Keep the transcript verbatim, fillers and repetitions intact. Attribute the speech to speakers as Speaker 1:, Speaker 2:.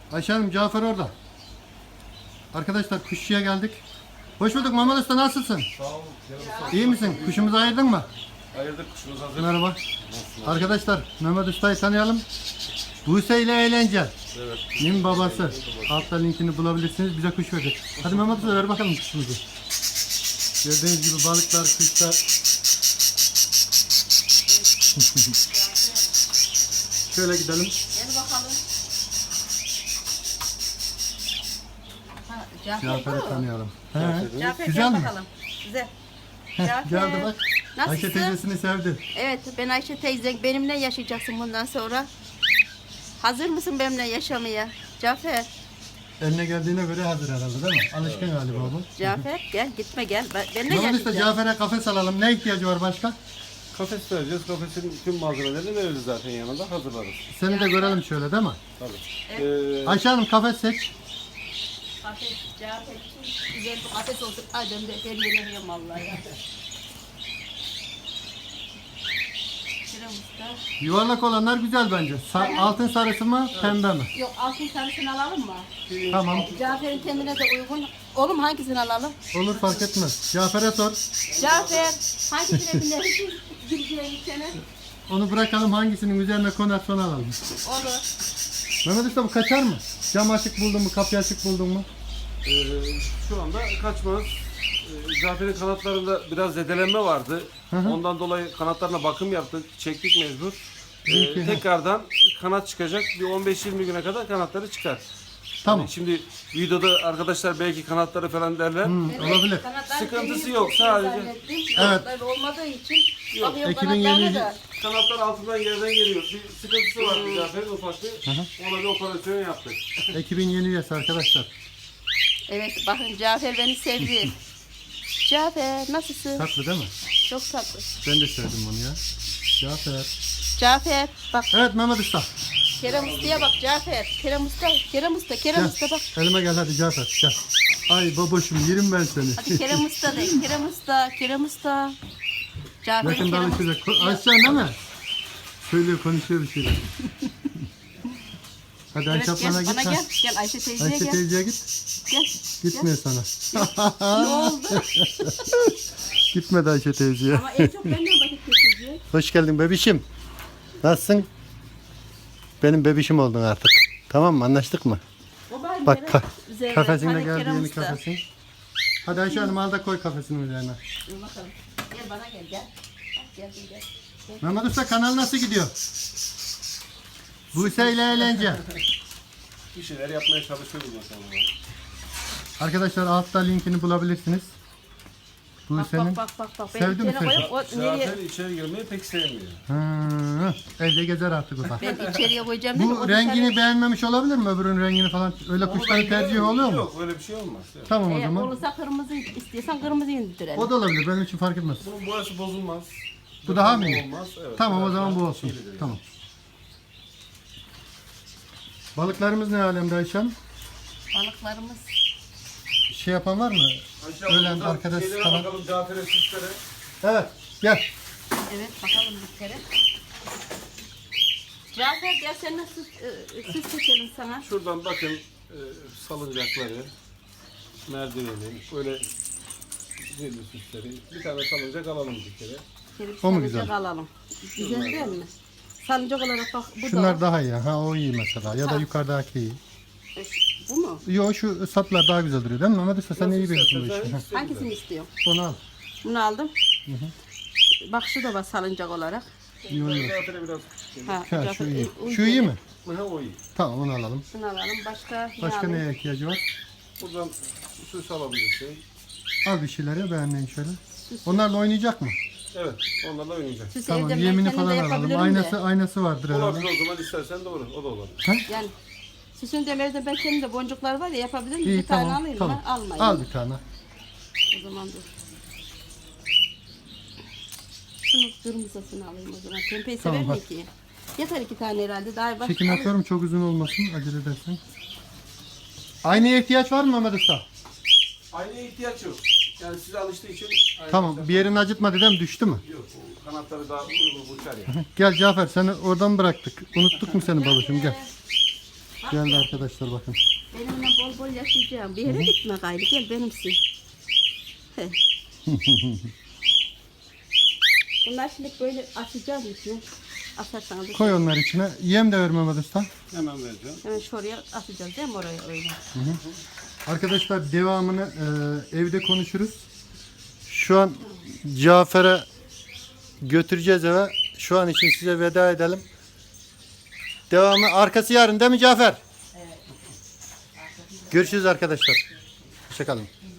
Speaker 1: Ayşe Hanım, Cafer orada. Arkadaşlar kuşçuya geldik. Hoş bulduk Mehmet Usta, nasılsın?
Speaker 2: Sağ olun.
Speaker 1: İyi misin? Kuşumuzu ayırdın mı?
Speaker 2: Ayırdık, kuşumuz hazır.
Speaker 1: Merhaba. Arkadaşlar Mehmet Usta'yı tanıyalım. Buse ile Eğlence.
Speaker 2: Evet.
Speaker 1: Nin babası. Altta linkini bulabilirsiniz. Bize kuş verecek. Hadi Mehmet Usta ver bakalım kuşumuzu. Gördüğünüz gibi balıklar, kuşlar. Şöyle gidelim.
Speaker 3: Gel bakalım. Ha, Cafer
Speaker 1: Cafer'i
Speaker 3: bu.
Speaker 1: tanıyalım. He.
Speaker 3: Cafer
Speaker 1: Güzel
Speaker 3: gel
Speaker 1: mi?
Speaker 3: bakalım. Güzel.
Speaker 1: Heh,
Speaker 3: Cafer.
Speaker 1: geldi bak. Ayşe
Speaker 3: Nasılsın?
Speaker 1: teyzesini sevdi.
Speaker 3: Evet, ben Ayşe teyze. Benimle yaşayacaksın bundan sonra. Hazır mısın benimle yaşamaya? Cafer.
Speaker 1: Eline geldiğine göre hazır herhalde değil mi? Alışkın galiba bu.
Speaker 3: Cafer gel, gitme gel. Ben- Benimle
Speaker 1: Mehmet Usta,
Speaker 3: yaşayacaksın.
Speaker 1: Cafer'e kafes alalım. Ne ihtiyacı var başka?
Speaker 2: Kafes vereceğiz. Kafesin tüm malzemelerini veririz zaten yanında. Hazırlarız.
Speaker 1: Seni de görelim şöyle değil mi?
Speaker 2: Tabii. Ee,
Speaker 1: Ayşe Hanım, kafes seç.
Speaker 3: Kafes, Cafer için güzel bir kafes olsun. Ay ben de her yere yiyorum vallahi ya. Şuraya usta.
Speaker 1: Yuvarlak olanlar güzel bence. Sa- altın sarısı mı, pembe mi?
Speaker 3: Yok, altın sarısını alalım mı?
Speaker 1: Tamam.
Speaker 3: Cafer'in kendine de uygun. Oğlum hangisini alalım?
Speaker 1: Olur, fark etmez. Cafer'e sor.
Speaker 3: Cafer, hangisine binersin? Gireceğin sene.
Speaker 1: Onu bırakalım, hangisinin üzerine konar sonra alalım.
Speaker 3: Olur.
Speaker 1: Mehmet Usta, bu kaçar mı? Cam açık buldun mu, kapıyı açık buldun mu?
Speaker 2: e, şu anda kaçmaz. E, Cafer'in kanatlarında biraz zedelenme vardı.
Speaker 1: Hı hı.
Speaker 2: Ondan dolayı kanatlarına bakım yaptık. Çektik mecbur.
Speaker 1: İyi ki.
Speaker 2: E, tekrardan kanat çıkacak. Bir on beş yirmi güne kadar kanatları çıkar.
Speaker 1: Tamam.
Speaker 2: Yani şimdi videoda arkadaşlar belki kanatları falan derler.
Speaker 1: Hmm, olabilir.
Speaker 3: Kanatlar
Speaker 2: Sıkıntısı
Speaker 3: benim
Speaker 2: yok,
Speaker 3: çok
Speaker 2: sadece-
Speaker 3: zannettim.
Speaker 1: Evet.
Speaker 3: Kanatlar olmadığı için
Speaker 2: Yok,
Speaker 3: bakıyorum
Speaker 1: ekibin
Speaker 3: kanatlarına
Speaker 1: yeni-
Speaker 3: da.
Speaker 2: Kanatlar altından yerden geliyor. Bir sıkıntısı var bir Cafer'in ufak bir. Ona bir operasyon yaptık.
Speaker 1: Ekibin yeni üyesi arkadaşlar.
Speaker 3: Evet, bakın Cafer beni sevdi. Cafer nasılsın?
Speaker 1: Tatlı değil mi?
Speaker 3: Çok tatlı.
Speaker 1: Ben de sevdim bunu ya. Cafer.
Speaker 3: Cafer bak,
Speaker 1: Evet Mehmet Usta.
Speaker 3: Kerem Usta'ya bak Cafer. Kerem Usta, Kerem Usta, Kerem
Speaker 1: Gel.
Speaker 3: Usta bak.
Speaker 1: Elime gel hadi Cafer. Gel. Ay baboşum, yerim ben seni.
Speaker 3: Hadi Kerem Usta de. Kerem Usta, Kerem Usta. Cafer,
Speaker 1: Yakında
Speaker 3: Kerem Usta.
Speaker 1: alışacak. Ko- Açacaksın değil mi? Söylüyor, konuşuyor bir şeyler. Hadi Ayşe
Speaker 3: Evet, gel
Speaker 1: ablana git.
Speaker 3: bana
Speaker 1: ha.
Speaker 3: gel. Gel Ayşe teyzeye
Speaker 1: Ayşe
Speaker 3: gel.
Speaker 1: teyzeye git.
Speaker 3: Gel.
Speaker 1: Gitmiyor sana.
Speaker 3: Ne oldu?
Speaker 1: Gitmedi Ayşe teyzeye.
Speaker 3: Ama en çok benden vakit geçirecek.
Speaker 1: Hoş geldin bebişim. Nasılsın? Benim bebişim oldun artık. Tamam mı? Anlaştık mı?
Speaker 3: O bari
Speaker 1: Bak
Speaker 3: Kerem
Speaker 1: ka-
Speaker 3: üzerine.
Speaker 1: kafesine
Speaker 3: Hani
Speaker 1: geldi,
Speaker 3: Kerem
Speaker 1: yeni
Speaker 3: Usta.
Speaker 1: kafesin. Hadi Ayşe Hanım, al da koy kafesinin üzerine.
Speaker 3: Dur bakalım. Gel bana gel gel. Bak, Gel gel. gel.
Speaker 1: Mehmet Usta, kanal nasıl gidiyor? Buse ile Eğlence.
Speaker 2: Bir şeyler yapmaya çalışıyoruz o zaman.
Speaker 1: Arkadaşlar altta linkini bulabilirsiniz.
Speaker 3: Bak
Speaker 1: Buse'nin.
Speaker 3: bak bak bak bak. Ben
Speaker 1: Sevdi mi
Speaker 3: içeri koyup o nereye?
Speaker 2: Cafer içeri girmeyi pek sevmiyor.
Speaker 1: Hı, evde gezer artık o da.
Speaker 3: Ben içeriye koyacağım değil mi?
Speaker 1: Bu
Speaker 3: O
Speaker 1: rengini
Speaker 3: dışarı-
Speaker 1: beğenmemiş olabilir mi? Öbürünün rengini falan. Öyle kuşların tercihi oluyor mu?
Speaker 2: Yok, öyle bir şey olmaz. Evet.
Speaker 1: Tamam o
Speaker 3: Eğer
Speaker 1: zaman.
Speaker 3: olursa kırmızı istiyorsan kırmızı indirelim.
Speaker 1: O da olabilir. Benim için fark etmez.
Speaker 2: Bunun boyası bozulmaz.
Speaker 1: Bu daha mı iyi?
Speaker 2: Olmaz. Evet,
Speaker 1: Tamam o
Speaker 2: biraz
Speaker 1: zaman
Speaker 2: daha
Speaker 1: bu olsun.
Speaker 2: şeylidir yani.
Speaker 1: Tamam. Balıklarımız ne alemde Ayşem?
Speaker 3: Balıklarımız.
Speaker 1: Şey yapan var mı?
Speaker 2: Ayşe,
Speaker 1: Ölen
Speaker 2: buradan
Speaker 1: arkadaş
Speaker 2: şeylere
Speaker 1: falan.
Speaker 2: bakalım Cafer'e, süslere.
Speaker 1: Evet. Gel.
Speaker 3: Evet bakalım bir kere. Cafer gel sen nasıl e, süs seçelim sana.
Speaker 2: Şuradan bakın e, salıncakları, merdiveni, böyle güzel süsleri. Bir tane salıncak alalım bir kere.
Speaker 3: Şöyle bir
Speaker 1: O mu
Speaker 3: salıncak
Speaker 1: güzel?
Speaker 3: alalım. Güzel değil mi? Salıncak olarak bak bu
Speaker 1: Şunlar
Speaker 3: da.
Speaker 1: daha iyi. Ha o iyi mesela. Ya da
Speaker 3: Ha.
Speaker 1: yukarıdaki iyi.
Speaker 3: E, Bu mu?
Speaker 1: Yo, şu saplar daha güzel duruyor değil mi Mehmet Usta? Sen iyi bilirsin bu işi.
Speaker 2: istersen
Speaker 3: Hangisini istiyorsun?
Speaker 1: Onu al.
Speaker 3: Bunu aldım. Bak şu da var salıncak olarak.
Speaker 1: İyi oluyor.
Speaker 2: Cafer'e biraz
Speaker 3: Ha,
Speaker 1: Ha,
Speaker 3: Cafer,
Speaker 1: şu iyi.
Speaker 3: e, uygun
Speaker 1: Şu iyi mi?
Speaker 2: Ha, o iyi.
Speaker 1: Tamam onu alalım.
Speaker 3: Şunu alalım. Başka, ne
Speaker 1: Başka
Speaker 3: alayım?
Speaker 1: neye ihtiyacı var?
Speaker 2: Buradan süs alabilirsin.
Speaker 1: Al bir şeyleri beğenmeyin şöyle. Onlarla oynayacak mı?
Speaker 2: Evet, onlarla oynayacak.
Speaker 3: Süs
Speaker 1: Tamam,
Speaker 3: evde ben
Speaker 1: yemini
Speaker 3: kendim de
Speaker 1: falan alalım.
Speaker 3: yapabilirim
Speaker 1: Aynası
Speaker 3: de.
Speaker 1: aynası vardır herhalde.
Speaker 2: Olabilir o zaman istersen doğru, o da olur.
Speaker 1: Ha?
Speaker 3: Yani süsün demirde ben kendim de boncuklar var ya yapabilirim.
Speaker 1: İyi
Speaker 3: Bir tane
Speaker 1: tamam.
Speaker 3: alayım
Speaker 1: Tamam.
Speaker 3: mı? Almayayım.
Speaker 1: Al bir tane.
Speaker 3: O zaman dur. Şunu kırmızısını alayım o zaman. Pembeyi
Speaker 1: Tamam,
Speaker 3: sever mi
Speaker 1: hadi.
Speaker 3: ki? Yeter iki tane herhalde. Daha başka
Speaker 1: Çekim
Speaker 3: alayım.
Speaker 1: yapıyorum, çok uzun olmasın. Acele edersin. Aynaya ihtiyaç var mı Mehmet Usta?
Speaker 2: Aynaya ihtiyaç yok. Yani size alıştığı için aynı
Speaker 1: Tamam. Bir yerini acıtmadı değil mi? Düştü mü?
Speaker 2: yok. O kanatları daha uygun uçar ya.
Speaker 1: Gel Cafer, seni oradan bıraktık. Unuttuk mu seni babacığım? Gel. Geldi arkadaşlar bakın.
Speaker 3: Benimle bol bol yaşayacağım. Bir yere gitme gayrı. Gel benimsin. He. Bunlar şimdi böyle açacağız içine. Asarsanız.
Speaker 1: Koy onları içine. Yem de ver Mehmet Usta.
Speaker 2: Hemen vereceğim.
Speaker 3: Hemen şuraya atacağız değil mi oraya öyle?
Speaker 1: Arkadaşlar devamını e, evde konuşuruz. Şu an Cafer'e götüreceğiz eve. Şu an için size veda edelim. Devamı arkası yarın değil mi Cafer? Evet. Görüşürüz arkadaşlar. Hoşçakalın.